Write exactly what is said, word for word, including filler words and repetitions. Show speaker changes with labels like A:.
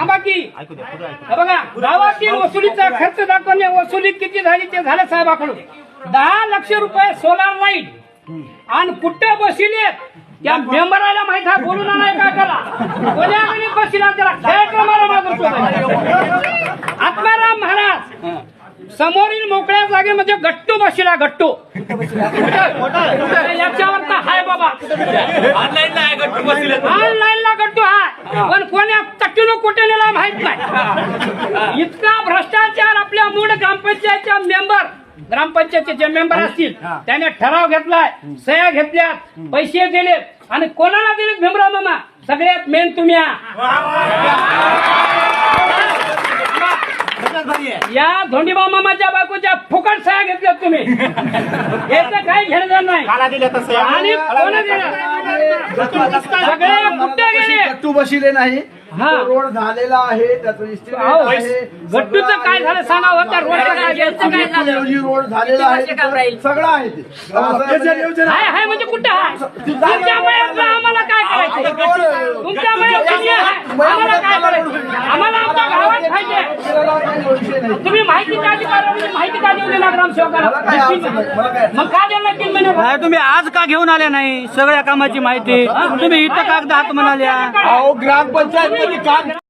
A: थांबा की हे बघा गावातील वसुलीचा खर्च दाखवणे वसुली किती झाली ते झालं साहेबाकडून दहा लक्ष रुपये सोलार लाईट आणि कुठे बसले त्या मेंबराला माहित आहे बोलून आणाय का त्याला कोण्याकडे बसला त्याला खेळ मारा मागून आत्माराम महाराज समोरील मोकळ्या जागेमध्ये गट्टू बसला गट्टू याच्यावर तर हाय बाबा ऑनलाईनला गट्टू हाय पण कोण्या तट्टून कुठे नेला माहित नाही इतका भ्रष्टाचार आपल्या मूळ ग्रामपंचायतच्या मेंबर ग्रामपंचायतचे जे मेंबर असतील त्याने ठराव घेतलाय सह्या घेतल्यात पैसे दिले आणि कोणाला दिलेत भीमराव मामा सगळ्यात मेन तुम्ही या धोंडीबा मामाच्या बायकोच्या फुकट सह्या घेतल्यात तुम्ही याचं काही घेणं नाही आणि कोण सगळे कुठे गेले
B: गट्टू बसले नाही
A: हा.
B: रोड झालेला आहे त्याचं estimate आहे.
A: गट्टूचं काय झालं सांगा होता रोड
B: रोड झालेला आहे तिथं सगळं आहे ते
A: हाय हाय म्हणजे कुठं आहे तुमच्यामुळे आम्हाला काय करायचं तुमच्यामुळे आम्हाला काय करायचं आम्हाला आमच्या गावात पाहिजे तुम्ही माहिती का अधिकाऱ्याला माहिती का देऊ दिला ग्रामसेवकाला मग का देणार तीन महिने
C: तुम्ही आज का घेऊन आले नाही सगळ्या कामाची माहिती तुम्ही इथं कागद हात म्हणाल्या
B: ग्रामपंचायत मध्ये काम